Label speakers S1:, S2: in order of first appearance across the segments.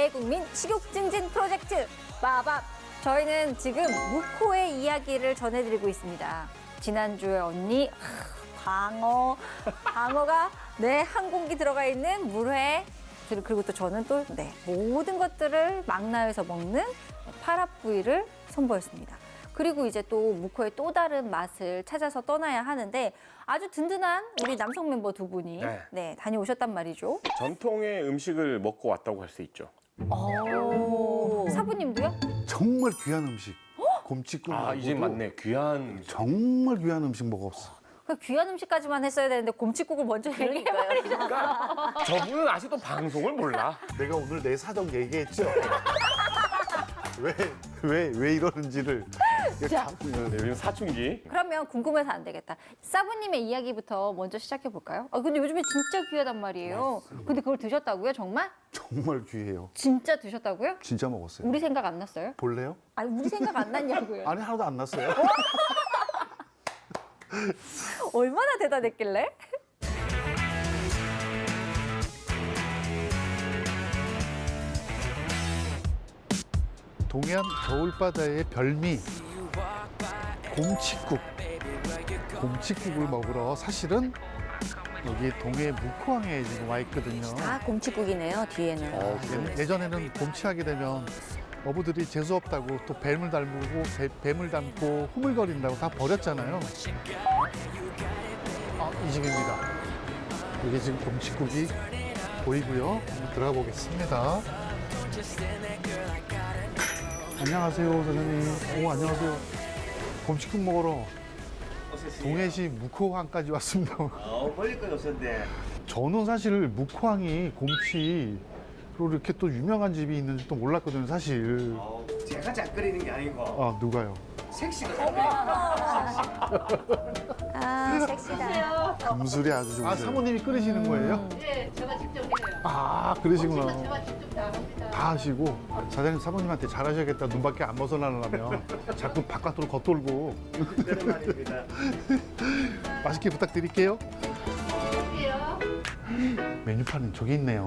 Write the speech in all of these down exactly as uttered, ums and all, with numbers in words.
S1: 대국민 식욕 증진 프로젝트 빠밥. 저희는 지금 묵호의 이야기를 전해드리고 있습니다. 지난주에 언니 하, 방어, 방어가 네, 한 공기 들어가 있는 물회. 그리고 또 저는 또 네, 모든 것들을 망라해서 먹는 파랍구이를 선보였습니다. 그리고 이제 또 묵호의 또 다른 맛을 찾아서 떠나야 하는데 아주 든든한 우리 남성 멤버 두 분이
S2: 네.
S1: 네, 다녀오셨단 말이죠.
S2: 전통의 음식을 먹고 왔다고 할 수 있죠.
S1: 오. 사부님도요?
S3: 정말 귀한 음식. 곰치국.
S2: 아, 이제 맞네. 귀한 음식.
S3: 정말 귀한 음식 먹었어.
S1: 그 귀한 음식까지만 했어야 되는데 곰칫국을 먼저 얘기해버리죠.
S2: 그러니까 저분은 아직도 방송을 몰라.
S3: 내가 오늘 내 사정 얘기했죠. 왜, 왜, 왜 이러는지를.
S1: 자.
S2: 네, 요즘 사춘기.
S1: 그러면 궁금해서 안 되겠다. 사부님의 이야기부터 먼저 시작해 볼까요? 아 근데 요즘에 진짜 귀하단 말이에요. 근데 그걸 드셨다고요? 정말?
S3: 정말 귀해요.
S1: 진짜 드셨다고요?
S3: 진짜 먹었어요.
S1: 우리 생각 안 났어요?
S3: 볼래요?
S1: 아니 우리 생각 안 났냐고요.
S3: 아니, 하나도 안 났어요.
S1: 얼마나 대단했길래?
S3: 동해안 겨울바다의 별미 곰칫국. 곰칫국을 먹으러 사실은 여기 동해 묵호항에 지금 와 있거든요.
S1: 아 곰칫국이네요 뒤에는.
S2: 어,
S3: 예- 예전에는 곰치하게 되면 어부들이 재수 없다고 또 뱀을 닮고 배, 뱀을 닮고 후물거린다고 다 버렸잖아요. 아, 이 집입니다. 여기 지금 곰칫국이 보이고요. 한번 들어가 보겠습니다. 안녕하세요, 사장님. 오, 안녕하세요. 곰칫국 먹으러 동해시 묵호항까지 왔습니다.
S4: 어, 멀리까지 오셨네.
S3: 저는 사실 묵호항이 곰치로 이렇게 또 유명한 집이 있는지 또 몰랐거든요, 사실.
S4: 어, 제가 짝거리는 게 아니고
S3: 아, 누가요?
S4: 섹시가 짝거리는
S1: 아 섹시다.
S3: 금술이 아주 좋으세요. 아, 사모님이 끓이시는 거예요?
S5: 네, 제가 직접 해요.
S3: 아, 그러시구나.
S5: 제가 직접 다 합니다.
S3: 다 하시고. 사장님, 사모님한테 잘하셔야겠다. 눈 밖에 안 벗어나려면. 자꾸 바깥으로 겉돌고.
S4: 그런 말입니다.
S3: 맛있게 부탁드릴게요.
S5: 할게요.
S3: 메뉴판은 저기 있네요.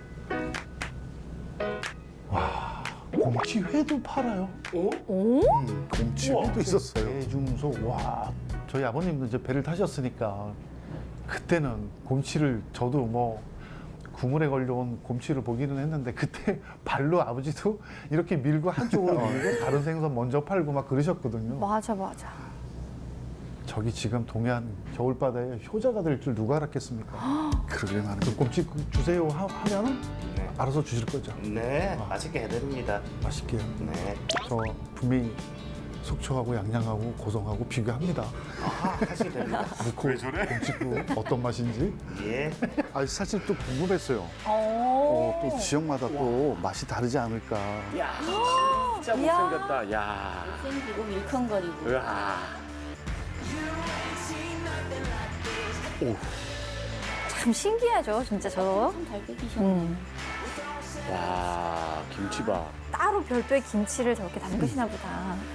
S3: 와, 곰치회도 팔아요.
S4: 어?
S1: 오?
S3: 음, 곰치회도 있었어요. 대중소, 와. 저희 아버님도 이제 배를 타셨으니까 그때는 곰치를 저도 뭐 구물에 걸려온 곰치를 보기는 했는데 그때 발로 아버지도 이렇게 밀고 한쪽으로 밀고 다른 생선 먼저 팔고 막 그러셨거든요.
S1: 맞아 맞아.
S3: 저기 지금 동해안 겨울바다에 효자가 될 줄 누가 알았겠습니까? 그러게 말이에요. 그 곰치 주세요 하, 하면은
S4: 네.
S3: 알아서 주실 거죠.
S4: 네, 맛있게 해드립니다.
S3: 맛있게요.
S4: 네.
S3: 저 분명히 속초하고 양양하고 고성하고 비교합니다.
S4: 아, 하시면 됩니다.
S3: 묵호 곰치국 어떤 맛인지.
S4: 예.
S3: 아 사실 또 궁금했어요.
S1: 오.
S3: 어, 또 지역마다 또 맛이 다르지 않을까.
S2: 야, 진짜 못생겼다. 야.
S5: 생기고 밀컹거리고.
S2: 으아.
S1: 참 신기하죠 진짜 저.
S5: 잘 끓이셨네.
S1: 음.
S2: 와, 김치밥.
S1: 따로 별도의 김치를 저렇게 담그시나 보다.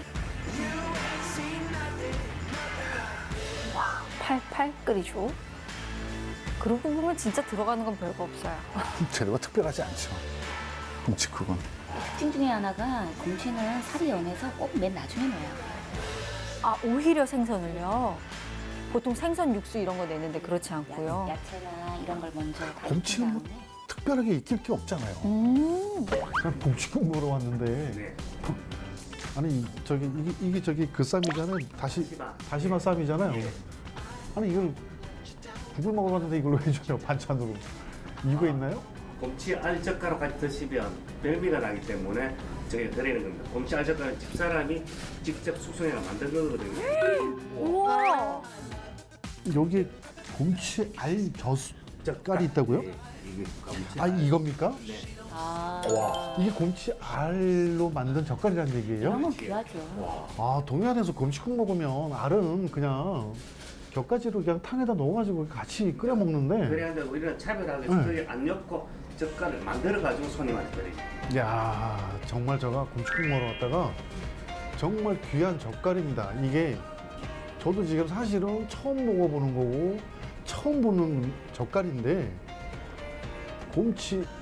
S1: 와, 팔팔 끓이죠. 그러고 보면 진짜 들어가는 건 별거 없어요.
S3: 재료가 특별하지 않죠. 곰치국은.
S5: 특징 중에 하나가 곰치는 살이 연해서 꼭 맨 나중에 넣어요.
S1: 아, 오히려 생선을요? 보통 생선 육수 이런 거 내는데 그렇지 않고요.
S5: 야채나 이런 걸 먼저 다
S3: 곰치는
S5: 익힌
S3: 뭐
S5: 다음에
S3: 특별하게 익힐 게 없잖아요.
S1: 음.
S3: 그냥 곰치국 먹으러 왔는데.
S4: 네.
S3: 아니 저기 이게, 이게 저기 그 쌈이잖아요. 다시
S4: 다시마.
S3: 다시마 쌈이잖아요.
S4: 네.
S3: 아니 이걸 국을 먹으러 왔는데 이걸로 해줘요 반찬으로. 이유가 있나요?
S4: 곰치 알젓가루 같이 드시면 별미가 나기 때문에 저희가 드리는 겁니다. 곰치 알젓가루 집사람이 직접 숙성해서 만든 거거든요.
S1: 우와.
S3: 여기 곰치 알 젓갈이 있다고요?
S4: 네, 이게 곰치
S3: 아 이겁니까?
S5: 아,
S3: 이게 곰치 알로 만든 젓갈이라는 얘기예요?
S5: 그런 건 귀하죠.
S3: 아 동해안에서 곰치국 먹으면 알은 그냥 곁가지로 그냥 탕에다 넣어가지고 같이 끓여 먹는데.
S4: 그래야 우리는 차별하게
S3: 네.
S4: 저희 안 넣고 젓갈을 만들어가지고 손님한테 드립니다.
S3: 야 정말 제가 곰치국 먹으러 왔다가 정말 귀한 젓갈입니다. 이게 저도 지금 사실은 처음 먹어보는 거고 처음 보는 젓갈인데 곰치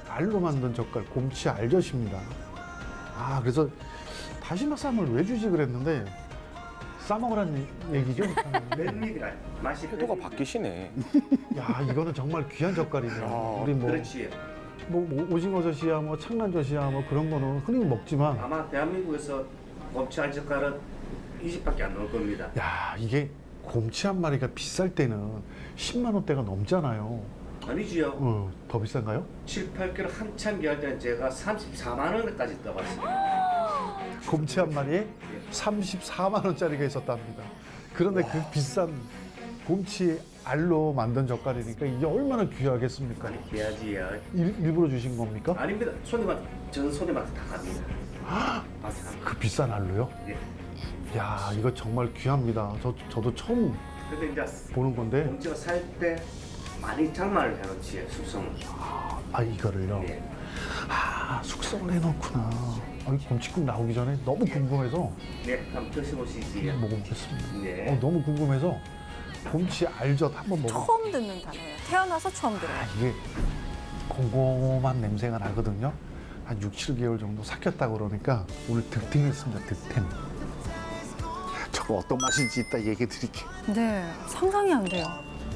S3: 알로 만든 젓갈 곰치 알젓입니다. 아 그래서 다시마 쌈을 왜 주지 그랬는데 싸먹으라는 얘기죠?
S4: 멜미가 맛이
S2: 태도가
S4: 멜미가.
S2: 바뀌시네.
S3: 야 이거는 정말 귀한 젓갈이네요.
S2: 야,
S3: 우리 뭐,
S4: 그렇지.
S3: 뭐, 뭐 오징어젓이야 뭐 창란젓이야 뭐 그런 거는 흔히 먹지만
S4: 아마 대한민국에서 곰치 알젓갈은 이 집밖에 안 나올 겁니다.
S3: 야 이게 곰치 한 마리가 비쌀 때는 십만 원대가 넘잖아요.
S4: 아니지요.
S3: 어, 더 비싼가요?
S4: 칠, 팔 킬로그램 한참 귀할 때는 제가 삼십사만 원까지 떠봤습니다.
S3: 곰치 한 마리에 삼십사만 원짜리가 있었답니다. 그런데 그 비싼 곰치 알로 만든 젓갈이니까 이게 얼마나 귀하겠습니까?
S4: 많이 귀하지요.
S3: 일, 일부러 주신 겁니까?
S4: 아닙니다. 손님한테 전 손님한테 다 갑니다. 아,
S3: 그 비싼 알로요?
S4: 예.
S3: 야 이거 정말 귀합니다. 저, 저도 처음
S4: 근데 이제
S3: 보는 건데
S4: 곰치가 살 때 많이 장만을 해놓지 숙성을.
S3: 아 이거를요?
S4: 예.
S3: 아 숙성을 해놓구나. 아, 이 곰치국 나오기 전에 너무 궁금해서
S4: 네, 한번 드셔보시지.
S3: 먹어보겠습니다.
S4: 네.
S3: 어, 너무 궁금해서 곰치 알젓 한번 먹어.
S1: 처음 듣는 단어예요. 태어나서 처음 들어요.
S3: 아, 이게 곰곰한 냄새가 나거든요. 한 육, 칠 개월 정도 삭혔다 그러니까 오늘 득템했습니다. 득템. 저거 어떤 맛인지 이따 얘기해 드릴게요.
S1: 네, 상상이 안 돼요.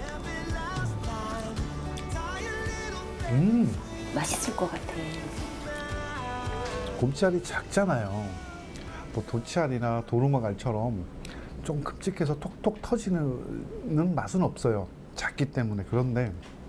S3: 음,
S5: 맛있을 것 같아.
S3: 곰치알이 작잖아요. 뭐 도치알이나 도루묵알처럼 좀 큼직해서 톡톡 터지는 맛은 없어요. 작기 때문에. 그런데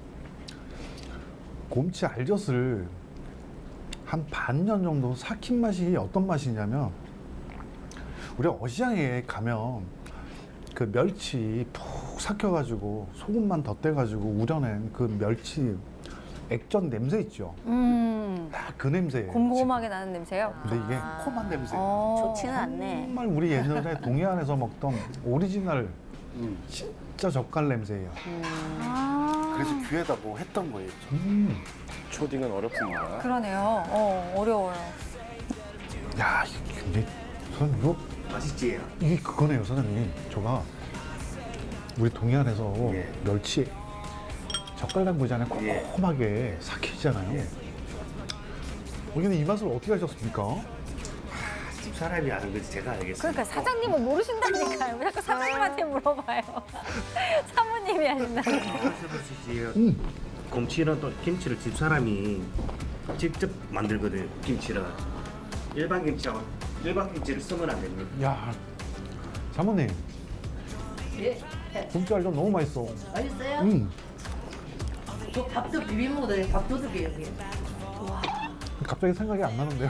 S3: 곰치 알젓을 한 반년 정도 삭힌 맛이 어떤 맛이냐면 우리가 어시장에 가면 그 멸치 푹 삭혀가지고 소금만 덧대가지고 우려낸 그 멸치 액젓 냄새 있죠.
S1: 음,
S3: 딱 그 냄새예요.
S1: 곰곰하게 나는 냄새요.
S3: 근데 이게 콤한 냄새.
S1: 어,
S5: 좋지는 않네.
S3: 정말 우리 옛날에 동해안에서 먹던 오리지널
S2: 음.
S3: 진짜 젓갈 냄새예요.
S1: 아,
S3: 그래서 귀하다고 했던 거예요. 음.
S2: 초딩은 어렵습니다.
S1: 그러네요. 어, 어려워요.
S3: 야, 이거 근데 선생님 이거
S4: 맛있지?
S3: 이게 그거네요, 선생님. 저가 우리 동해안에서
S4: 예.
S3: 멸치 젓갈 담그잖아요.
S4: 예.
S3: 꼼꼼하게 삭히잖아요.
S4: 예.
S3: 어, 근데 이 맛을 어떻게 하셨습니까?
S4: 집 사람이 아는 거지 제가 알겠습니다.
S1: 그러니까 사장님은 모르신다니까요. 왜 자꾸 사장님한테 물어봐요. 사모님이 하신다고.
S4: 드셔보시지.
S3: 음.
S4: 곰치는 또 김치를 집 사람이 직접 만들거든요. 김치를 일반 김치하고 일반 김치를 쓰면 안 됩니다.
S3: 야, 사모님.
S6: 예,
S3: 곰치알 좀 너무 맛있어.
S6: 맛있어요?
S3: 음.
S6: 저 밥도 비빔 먹어도 돼요. 밥도둑이에요, 여기.
S3: 갑자기 생각이 안 나는데요.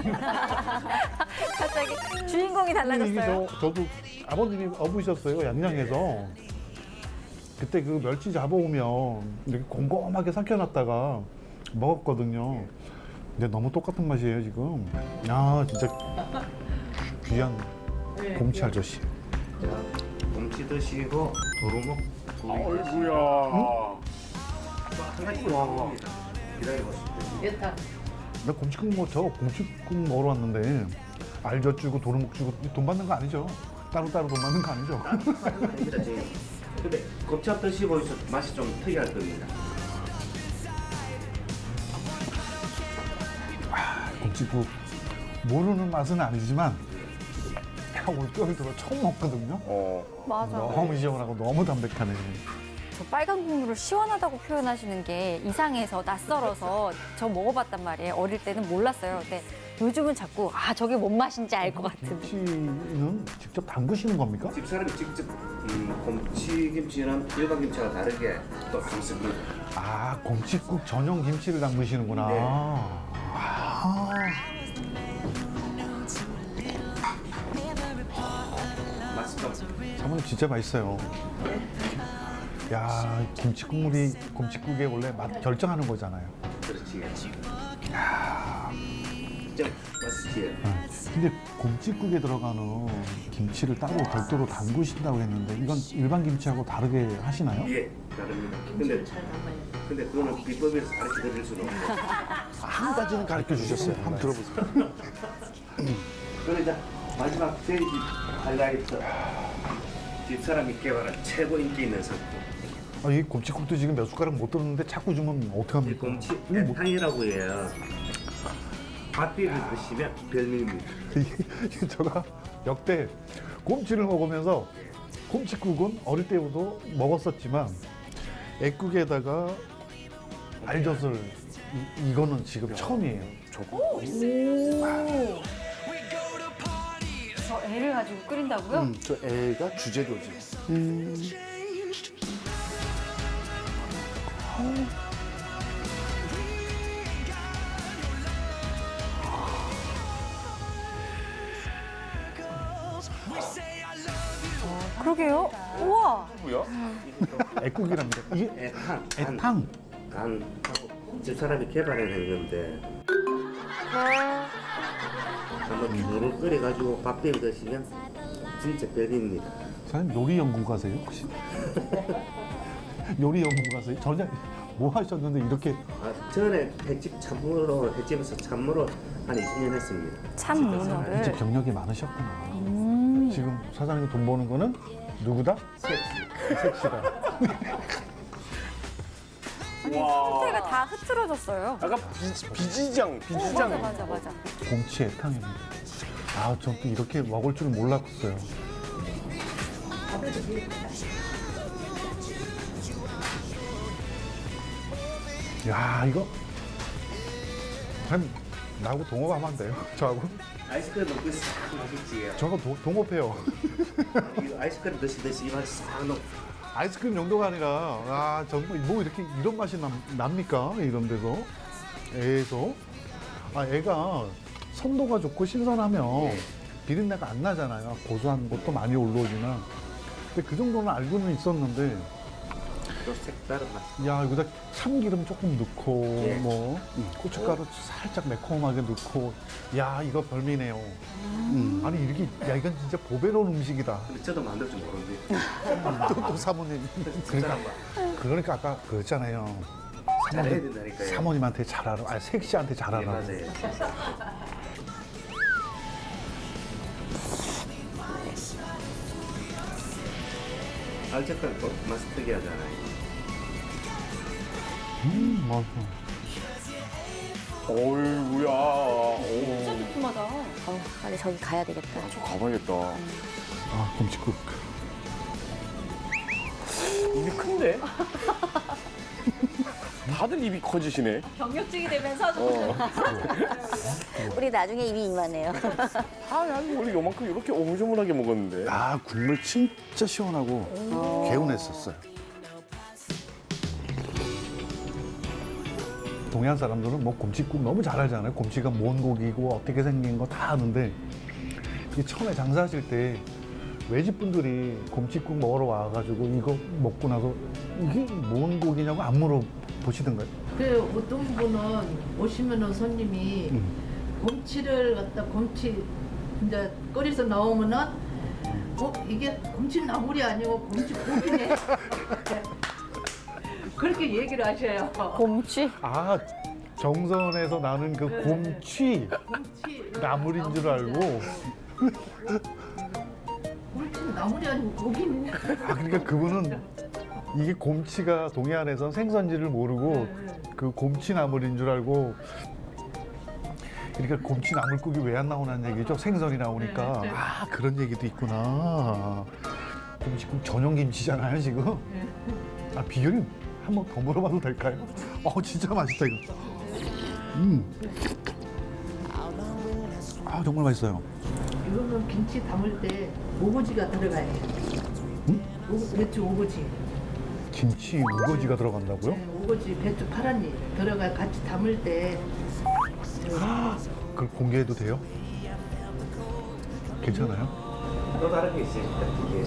S1: 갑자기 주인공이
S3: 이게
S1: 달라졌어요.
S3: 저, 저도 아버님이 어부셨어요, 양양에서. 그때 그 멸치 잡아오면 이렇게 곰곰하게 삭혀놨다가 먹었거든요. 근데 너무 똑같은 맛이에요, 지금. 야, 진짜 귀한
S6: 네.
S3: 곰치 알젓이.
S4: 자, 곰치 드시고 도루묵
S2: 아이고야.
S4: 한 가지 먹습니다. 기다려보세요.
S6: 예타.
S3: 나 곰치국 먹, 저 곰치국 먹으러 왔는데 알젓 주고 도루묵 주고 돈 받는 거 아니죠? 따로따로 돈 받는 거 아니죠?
S4: 아닙니다, 지금. 근데 곱창 드시보셔서 맛이 좀 특이할 겁니다.
S3: 곰치국 모르는 맛은 아니지만 올겨울 들어 처음 먹거든요.
S2: 어.
S1: 맞아.
S3: 너무 시원하고 너무 담백하네.
S1: 저 빨간 국물을 시원하다고 표현하시는 게 이상해서 낯설어서 저 먹어봤단 말이에요. 어릴 때는 몰랐어요. 근데 요즘은 자꾸 아 저게 뭔 맛인지 알 것 같은.
S3: 김치는 직접 담그시는 겁니까?
S4: 집 사람이 직접 음, 곰치 김치는 일반 김치와 다르게 또 담습니다.
S3: 아, 곰치국 전용 김치를 담그시는구나.
S4: 네.
S3: 아,
S4: 맛이 좀
S3: 사모님 진짜 맛있어요. 야, 김치 국물이 곰치국의 원래 맛 결정하는 거잖아요.
S4: 그렇지. 진짜 맛있지.
S3: 네. 근데 곰치국에 들어가는 김치를 따로 별도로 담그신다고 했는데 이건 일반 김치하고 다르게 하시나요?
S4: 예, 다릅니다. 근데
S6: 잘 담아요.
S4: 근데 그거는 비법에서 가르쳐 드릴 수는 없고.
S3: 한 가지는 가르쳐 주셨어요. 한번 들어보세요.
S4: 그래 이제 마지막 제일 하이라이트. 집 사람이 개발한 최고 인기 있는 상품.
S3: 아, 이 곰치국도 지금 몇 숟가락 못 들었는데 자꾸 주면
S4: 이
S3: 어떡합니까?
S4: 곰치
S3: 이거 뭐-
S4: 애탕이라고 해요. 밥비를 드시면 별미입니다.
S3: 이게 제가 역대 곰치를 먹으면서 곰치국은 어릴 때부터 먹었었지만 애국에다가 알젓을 이, 이거는 지금 처음이에요.
S2: 저거
S1: 저 애를 가지고 끓인다고요?
S2: 음, 저 애가 주재료지.
S1: 그러게요. 우와.
S2: 뭐야?
S3: 애국이랍니다. 이게
S4: 애탕, 간,
S3: 애탕.
S4: 간하고 집사람이 개발해낸 건데 한번 물을 끓여가지고 밥비를 드시면 진짜 별미입니다.
S3: 사장님 요리 연구가세요 혹시? 요리 연구가세요? 전혀 뭐 하셨는데 이렇게
S4: 아, 전에 횟집 참으로 횟집에서 참으로 한 이십 년 했습니다.
S1: 참
S3: 이제
S1: 문어를.
S3: 경력이 많으셨구나.
S1: 음.
S3: 지금 사장님이 돈 버는 거는 누구다?
S4: 섹시.
S3: 섹시다.
S1: 아니 상태가 다 흐트러졌어요.
S2: 약간 비, 비지장, 비지장.
S1: 맞아 맞아 맞아.
S3: 곰치 애탕입니다. 아, 전 또 이렇게 먹을 줄 몰랐어요. 야, 이거 한 나하고 동업하면 안 돼요? 저하고?
S4: 아이스크림 먹고 싹 맛있지.
S3: 저하고 도- 동업해요.
S4: 이거 아이스크림 드시듯이 이 맛이 싹 녹.
S3: 아이스크림 용도가 아니라 아 정말 뭐 이렇게 이런 맛이 남, 납니까? 이런 데서 애에서 아 애가 선도가 좋고 신선하면 비린내가 안 나잖아요. 고소한 것도 많이 올라오지만 근데 그 정도는 알고는 있었는데
S4: 또 색다른 맛.
S3: 야 여기다 참기름 조금 넣고
S4: 예.
S3: 뭐 고춧가루 살짝 매콤하게 넣고 야 이거 별미네요. 음. 아니 이렇게 야 이건 진짜 보배로운 음식이다.
S4: 근데 저도 만들 줄 모르는데.
S3: 또, 또 사모님 그러니까
S4: 집사람과
S3: 그러니까 아까 그랬잖아요.
S4: 잘해야
S3: 사모님,
S4: 된다니까요.
S3: 사모님한테 잘하라. 아니 섹시한테
S4: 예,
S3: 잘하라.
S4: 맞아요. 알젓갈 또 맛이 특이하잖아요.
S3: 음 맞아.
S2: 어이구야. 오.
S1: 두툼하다.
S5: 어, 빨리 저기 가야 되겠다.
S2: 저 가봐야겠다.
S3: 아 곰치국.
S2: 입이 큰데? 다들 입이 커지시네.
S1: 경력직이 되면서
S2: 어.
S5: 우리 나중에 입이 이만해요.
S2: 아, 아니 원래 요만큼 이렇게 오물조물하게 먹었는데.
S3: 아 국물 진짜 시원하고 개운했었어요. 동해안 사람들은 뭐 곰치국 너무 잘 알잖아요. 곰치가 뭔 고기고 어떻게 생긴 거 다 아는데 이 처음에 장사하실 때 외집분들이 곰치국 먹으러 와가지고 이거 먹고 나서 이게 뭔 고기냐고 안 물어보시던가요?
S6: 그 어떤 분은 오시면은 손님이
S3: 음.
S6: 곰치를 갖다 곰치 이제 끓여서 나오면은 어 이게 곰치 나물이 아니고 곰치 고기네. 그렇게 얘기를 하셔요.
S1: 곰치.
S3: 아 정선에서 나는 그
S6: 네.
S3: 곰치
S6: 곰치
S3: 나물인 줄 알고
S6: 곰치 나물이 아니고 고기네.
S3: 아 그러니까 그분은 이게 곰치가 동해안에선 생선지를 모르고 그 곰치 나물인 줄 알고 그러니까 곰치 나물국이 왜 안 나오냐는 얘기죠. 생선이 나오니까 아 그런 얘기도 있구나. 곰치국 전용 김치잖아요 지금. 아 비결이 한번 더 물어봐도 될까요? 어 진짜 맛있다 이거. 음. 아 정말 맛있어요.
S6: 이거는 김치 담을 때 오거지가 들어가요. 오, 배추 오거지.
S3: 김치 우거지가 들어간다고요?
S6: 네, 오거지 배추 파란 잎 들어가 같이 담을 때
S3: 그걸 공개해도 돼요? 괜찮아요?
S4: 또 다른 게 있으니까 이게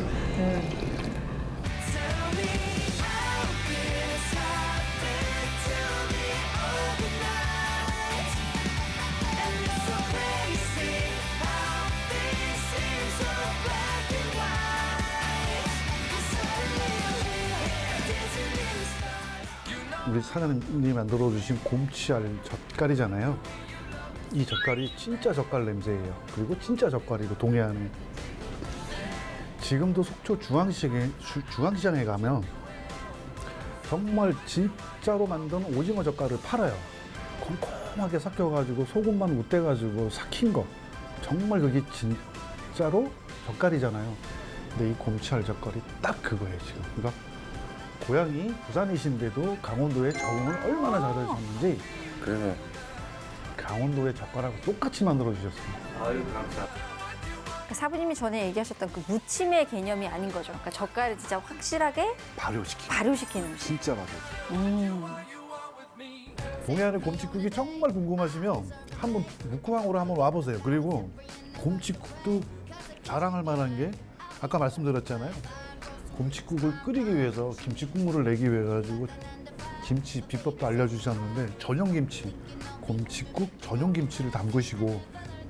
S3: 우리 사장님이 만들어주신 곰치알 젓갈이잖아요. 이 젓갈이 진짜 젓갈 냄새예요. 그리고 진짜 젓갈이고 동해안에. 지금도 속초 중앙시장에, 주- 중앙시장에 가면 정말 진짜로 만든 오징어 젓갈을 팔아요. 콩콩하게 삭혀가지고 소금만 우떼가지고 삭힌 거. 정말 그게 진짜로 젓갈이잖아요. 근데 이 곰치알 젓갈이 딱 그거예요 지금. 그러니까 고향이 부산이신데도 강원도에 적응을 얼마나 잘하셨는지
S2: 그래서
S3: 강원도의 젓갈하고 똑같이 만들어 주셨습니다.
S4: 아유 감사합니다.
S1: 그러니까 사부님이 전에 얘기하셨던 그 무침의 개념이 아닌 거죠. 그러니까 젓갈을 진짜 확실하게
S3: 발효시키고
S1: 발효시키는 음식.
S3: 진짜 맞아요.
S1: 음.
S3: 동해안의 곰칫국이 정말 궁금하시면 한번 묵구항으로 한번 와보세요. 그리고 곰칫국도 자랑할 만한 게 아까 말씀드렸잖아요. 곰칫국을 끓이기 위해서 김치 국물을 내기 위해 가지고 김치 비법도 알려주셨는데 전용 김치, 곰칫국 전용 김치를 담그시고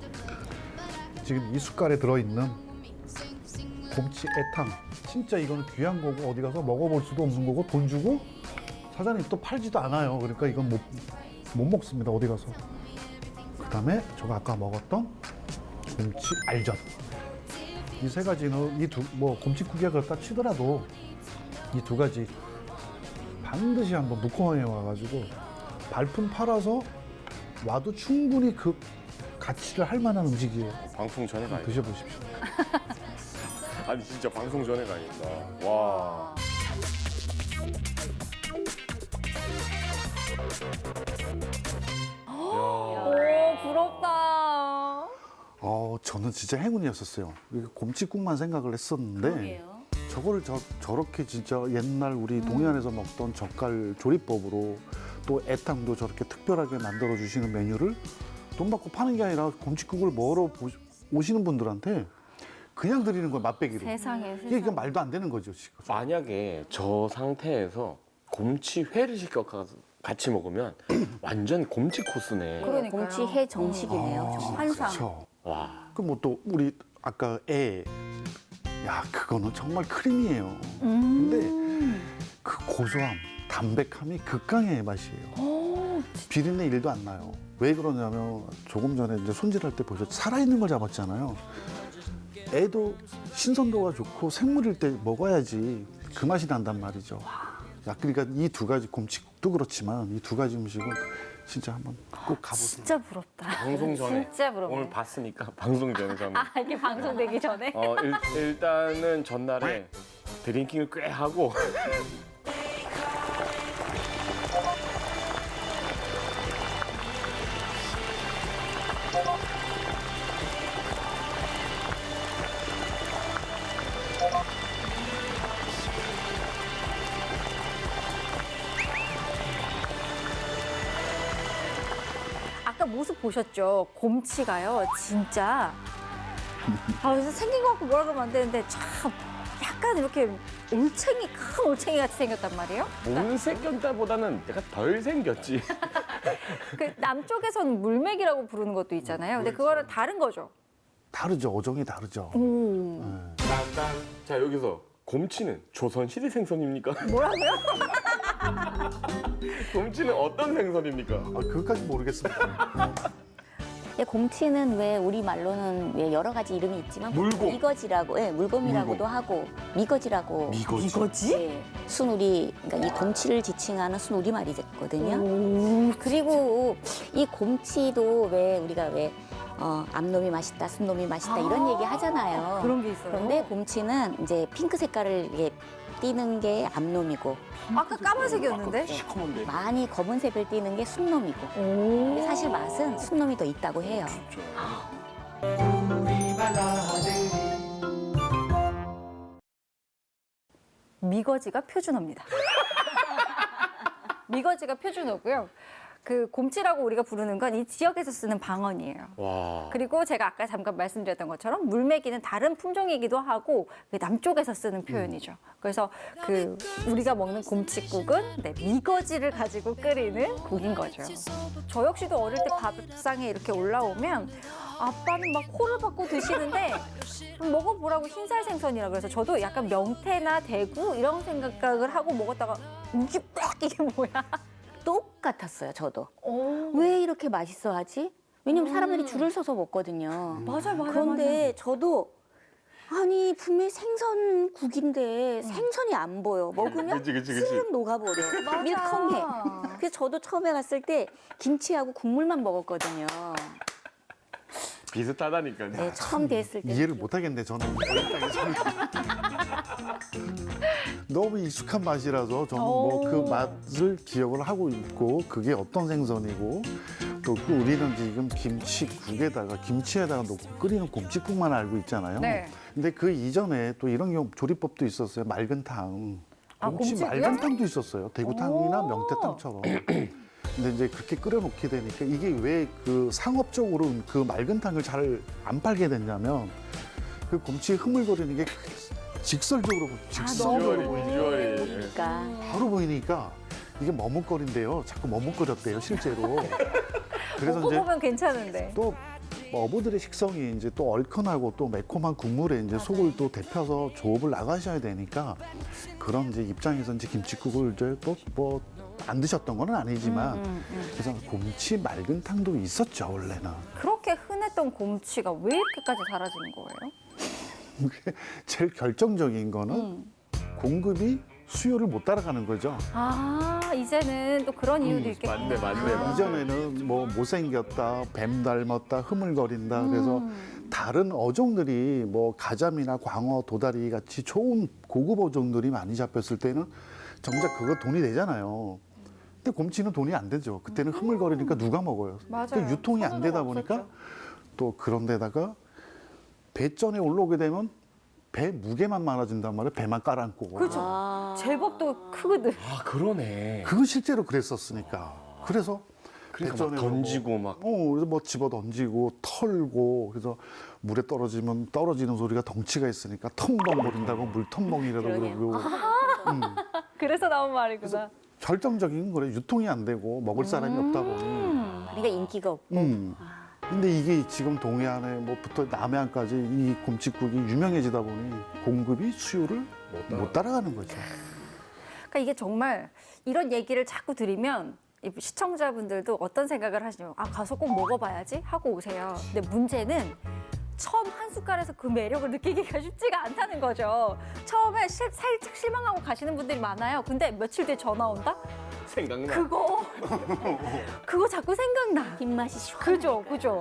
S3: 지금 이 숟갈에 들어있는 곰치 애탕 진짜 이거는 귀한 거고 어디 가서 먹어볼 수도 없는 거고 돈 주고 사장님 또 팔지도 않아요. 그러니까 이건 못, 못 먹습니다. 어디 가서. 그 다음에 제가 아까 먹었던 곰치 알젓. 이 세 가지는 이 두 뭐 곰칫국이야 그렇다 치더라도 이 두 가지 반드시 한번 묵호항에 와가지고 발품 팔아서 와도 충분히 그 가치를 할 만한 음식이에요.
S2: 방송 전에 가야
S3: 드셔보십시오.
S2: 아니 진짜 방송 전에 가야겠다. 와.
S1: 오, 부럽다.
S3: 어, 저는 진짜 행운이었었어요. 이게 곰칫국만 생각을 했었는데
S5: 그러게요.
S3: 저거를 저, 저렇게 진짜 옛날 우리 동해안에서 먹던 젓갈 조리법으로 또 애탕도 저렇게 특별하게 만들어 주시는 메뉴를 돈 받고 파는 게 아니라 곰칫국을 먹으러 보시- 오시는 분들한테 그냥 드리는 거예요, 맛배기로.
S1: 세상에,
S3: 이게
S1: 세상에.
S3: 그냥 말도 안 되는 거죠, 지금.
S2: 만약에 저 상태에서 곰치회를 시켜 같이 먹으면 완전 곰치 코스네.
S1: 그러니까요.
S5: 곰치 해 정식이네요.
S3: 아,
S5: 정말.
S1: 환상.
S3: 그렇죠.
S2: 와.
S3: 그럼 뭐 또 우리 아까 애, 야 그거는 정말 크림이에요.
S1: 음.
S3: 근데 그 고소함, 담백함이 극강의 맛이에요. 비린내 일도 안 나요. 왜 그러냐면 조금 전에 이제 손질할 때 보셨죠? 살아있는 걸 잡았잖아요. 애도 신선도가 좋고 생물일 때 먹어야지 그 맛이 난단 말이죠. 야, 그러니까 이 두 가지 곰칫국도 그렇지만 이 두 가지 음식은 진짜 한번 꼭 가보세요.
S1: 진짜 부럽다.
S2: 방송 전에
S1: 진짜 부럽네.
S2: 오늘 봤으니까 방송 전에 저는
S1: 아, 이게 방송되기 전에?
S2: 어 일, 일단은 전날에 드링킹을 꽤 하고
S1: 아까 모습 보셨죠? 곰치가요, 진짜. 아, 그래서 생긴 것 같고 뭐라 그러면 안 되는데 참 약간 이렇게 올챙이, 큰 올챙이 같이 생겼단 말이에요.
S2: 못생겼다보다는 내가 덜 생겼지.
S1: 그 남쪽에서는 물맥이라고 부르는 것도 있잖아요. 근데 그거는 다른 거죠.
S3: 다르죠. 어종이 다르죠.
S1: 오.
S2: 자 여기서 곰치는 조선시대 생선입니까?
S1: 뭐라고요?
S2: 곰치는 어떤 생선입니까?
S3: 아, 그것까지 모르겠습니다.
S5: 예, 곰치는 왜 우리 말로는 왜 여러 가지 이름이 있지만
S2: 물곰.
S5: 미거지라고, 예, 물곰이라고도
S2: 물곰.
S5: 하고 미거지라고.
S2: 미거지.
S1: 이거지?
S5: 예, 순우리, 그러니까 이 곰치를 지칭하는 순우리 말이거든요. 그리고 이 곰치도 왜 우리가 왜 어, 암놈이 맛있다, 순놈이 맛있다 이런 얘기 하잖아요.
S1: 그런 게 있어요.
S5: 그런데 곰치는 이제 핑크 색깔을 이렇게 띠는 게 암놈이고
S1: 아까 까만색이었는데?
S2: 시커먼데.
S5: 많이 검은색을 띠는 게 순놈이고.
S1: 오.
S5: 근데 사실 맛은 순놈이 더 있다고 해요.
S1: 미거지가 표준어입니다. 미거지가 표준어고요. 그 곰치라고 우리가 부르는 건 이 지역에서 쓰는 방언이에요.
S2: 와.
S1: 그리고 제가 아까 잠깐 말씀드렸던 것처럼 물메기는 다른 품종이기도 하고 그 남쪽에서 쓰는 표현이죠. 그래서 그 우리가 먹는 곰칫국은 네, 미거지를 가지고 끓이는 국인 거죠. 저 역시도 어릴 때 밥상에 이렇게 올라오면 아빠는 막 코를 박고 드시는데 먹어보라고 흰살 생선이라 그래서 저도 약간 명태나 대구 이런 생각을 하고 먹었다가 이게 막 이게 뭐야?
S5: 똑같았어요, 저도.
S1: 오.
S5: 왜 이렇게 맛있어 하지? 왜냐면 사람들이 줄을 서서 먹거든요.
S1: 맞아요, 맞아요.
S5: 그런데 저도 아니 분명히 생선국인데 생선이 안 보여. 먹으면
S2: 그치, 그치, 그치.
S5: 스르륵 녹아버려. 밀컹해. 그래서 저도 처음에 갔을 때 김치하고 국물만 먹었거든요.
S2: 비슷하다니까.
S5: 네, 처음 됐을 때.
S3: 이해를 못 하겠네 저는. 너무 익숙한 맛이라서 저는 뭐 그 맛을 기억을 하고 있고 그게 어떤 생선이고 또 그 우리는 지금 김치국에다가 김치에다가 넣고 끓이는 곰칫국만 알고 있잖아요.
S1: 네.
S3: 근데 그 이전에 또 이런 경우 조리법도 있었어요. 맑은 탕.
S1: 아,
S3: 곰치
S1: 곰치고요?
S3: 맑은 탕도 있었어요. 대구탕이나
S1: 오.
S3: 명태탕처럼. 근데 이제 그렇게 끓여놓게 되니까 이게 왜 그 상업적으로 그 맑은 탕을 잘 안 팔게 됐냐면 그 곰치 흐물거리는 게 직설적으로 직선적으로
S1: 너무
S3: 보이니까
S2: 비주얼이.
S5: 그러니까
S3: 바로 보이니까 이게 머뭇거린대요. 자꾸 머뭇거렸대요, 실제로. 그래서
S1: 먹고
S3: 이제
S1: 보면 괜찮은데.
S3: 또 어부들의 식성이 이제 또 얼큰하고 또 매콤한 국물에 이제 속을 또 데펴서 조업을 나가셔야 되니까 그런 이제 입장에서 이제 김치국을 이제 또 뭐 안 드셨던 건 아니지만 그래서 곰치 맑은 탕도 있었죠, 원래는.
S1: 그렇게 흔했던 곰치가 왜 이렇게까지 사라지는 거예요?
S3: 제일 결정적인 거는 공급이 수요를 못 따라가는 거죠.
S1: 아, 이제는 또 그런 이유도 있겠구나.
S2: 맞네, 맞네, 맞네.
S3: 이전에는 뭐 못생겼다, 뱀 닮았다, 흐물거린다. 그래서 다른 어종들이 뭐 가자미나 광어, 도다리 같이 좋은 고급 어종들이 많이 잡혔을 때는 정작 그거 돈이 되잖아요. 근데 곰치는 돈이 안 되죠. 그때는 흐물거리니까 누가 먹어요.
S1: 맞아요.
S3: 그러니까 유통이 안 되다 보니까
S1: 없었죠.
S3: 또 그런 데다가 배전에 올라오게 되면 배 무게만 많아진단 말이에요. 배만 깔아앉고.
S1: 그렇죠.
S5: 아.
S1: 제법 또 크거든.
S2: 아, 그러네.
S3: 그거 실제로 그랬었으니까. 그래서
S2: 그러니까 막
S3: 배전에
S2: 던지고
S3: 뭐,
S2: 막.
S3: 어, 그래서 뭐 집어 던지고 털고 그래서 물에 떨어지면 떨어지는 소리가 덩치가 있으니까 텀벙거린다고 물텀벙이라고
S5: 그러게요.
S3: 그러고 음,
S1: 그래서 나온 말이구나.
S3: 결정적인 거래. 유통이 안 되고 먹을 사람이 없다 보니.
S5: 그러니까 인기가 없고.
S3: 음. 근데 이게 지금 동해안에 뭐부터 남해안까지 이 곰칫국이 유명해지다 보니 공급이 수요를
S2: 못 따라-
S3: 못 따라가는 거죠.
S1: 그러니까 이게 정말 이런 얘기를 자꾸 드리면 이 시청자분들도 어떤 생각을 하시냐면 아 가서 꼭 먹어봐야지 하고 오세요. 근데 문제는 처음 한 숟갈에서 그 매력을 느끼기가 쉽지가 않다는 거죠. 처음에 실- 살짝 실망하고 가시는 분들이 많아요. 근데 며칠 뒤에 전화 온다?
S2: 생각나.
S1: 그거 그거 자꾸 생각나.
S5: 뒷맛이 시원.
S1: 그죠, 그죠.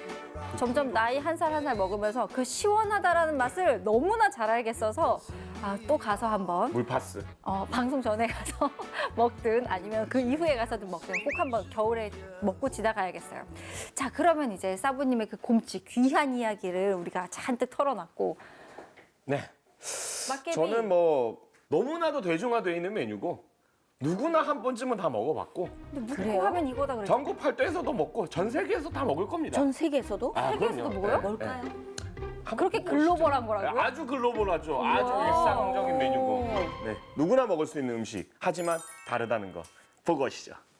S1: 점점 나이 한 살 한 살 먹으면서 그 시원하다라는 맛을 너무나 잘 알겠어서 아, 또 가서 한번
S2: 물파스.
S1: 어, 방송 전에 가서 먹든 아니면 그 이후에 가서든 먹든 꼭 한번 겨울에 먹고 지나가야겠어요. 자, 그러면 이제 사부님의 그 곰치 귀한 이야기를 우리가 잔뜩 털어놨고
S2: 네.
S1: 막개비
S2: 저는 뭐 너무나도 대중화되어 있는 메뉴고 누구나 한 번쯤은 다 먹어봤고
S1: 근데
S5: 그래요?
S1: 묵고 하면 이거다 그랬죠.
S2: 전국 팔도에서도 먹고 전 세계에서 다 먹을 겁니다.
S5: 전 세계에서도?
S2: 아,
S1: 세계에서도
S2: 그럼요.
S1: 먹어요?
S2: 네,
S5: 뭘까요?
S2: 네. 한번
S1: 그렇게
S2: 먹어보시죠.
S1: 글로벌한 거라고요?
S2: 아주 글로벌하죠. 아주
S1: 우와.
S2: 일상적인 메뉴고 네, 누구나 먹을 수 있는 음식. 하지만 다르다는 거 보고 오시죠.